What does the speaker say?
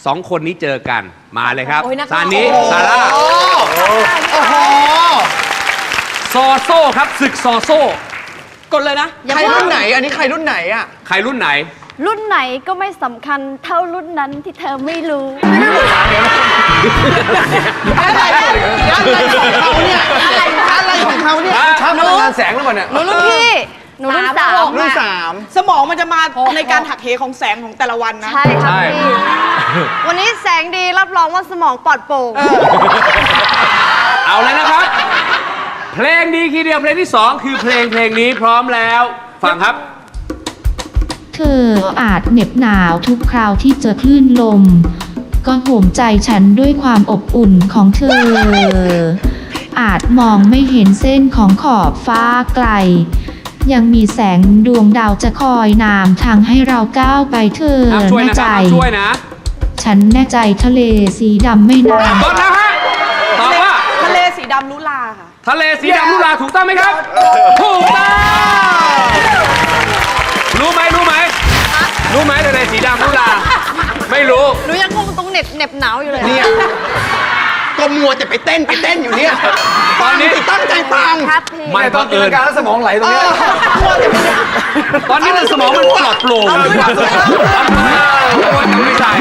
2 คนนี้เจอกันมาเลยครับโอ้ยนักซานิซาร่าโอ้โหซอโซ่ครับศึกซอโซ่กดเลยนะใครรุ่นไหนอันนี้ใครรุ่นไหนอ่ะใครรุ่นไหนรุ่นไหนก็ไม่สำคัญเท่ารุ่นนั้นที่เธอไม่รู้อะไรของเขาเนี่ยอะไรของเขาเนี่ยชอบพลังงานแสงหรือเปล่าเนี่ยหนูรุ่นพี่ หนูรุ่นสามรุ่นสมองมันจะมาในการหักเหของแสงของแต่ละวันนะใช่ครับใช่พี่ วันนี้แสงดีรับรองว่าสมองปลอดโปร่งเอาเลยนะครับ เพลงดีทีเดียวเพลงที่ 2 คือเพลงนี้พร้อมแล้วฟังครับเธออาจเหน็บหนาวทุกคราวที่เจอคลื่นลม ก็โหมใจฉันด้วยความอบอุ่นของเธอ อาจมองไม่เห็นเส้นของขอบฟ้าไกล ยังมีแสงดวงดาวจะคอยนำทางให้เราก้าวไปเธอช่วยแน่นะคใจรับช่วยนะฉันแน่ใจทะเลสีดำไม่นานตอบแล้วฮะตอบว่าทะเลสีดำลุลาค่ะทะเลสีดำลุลาถูกต้องไหมครับ ถูกต้องรู้ไหมรู้ไหมทะเลสีดำลุลาไม่รู้หนูยังงงตรงเหน็บหนาวอยู่เลยเนี่ยก็มัวแต่ไปเต้นอยู่เนี่ยตอนนี้ตั้งใจฟังครับพี่ไม่ตอนจินตนาการแล้วสมองไหลตรงเนี้ยตอนนี้มันสมองมันปลอดโปร่งไม่ใช่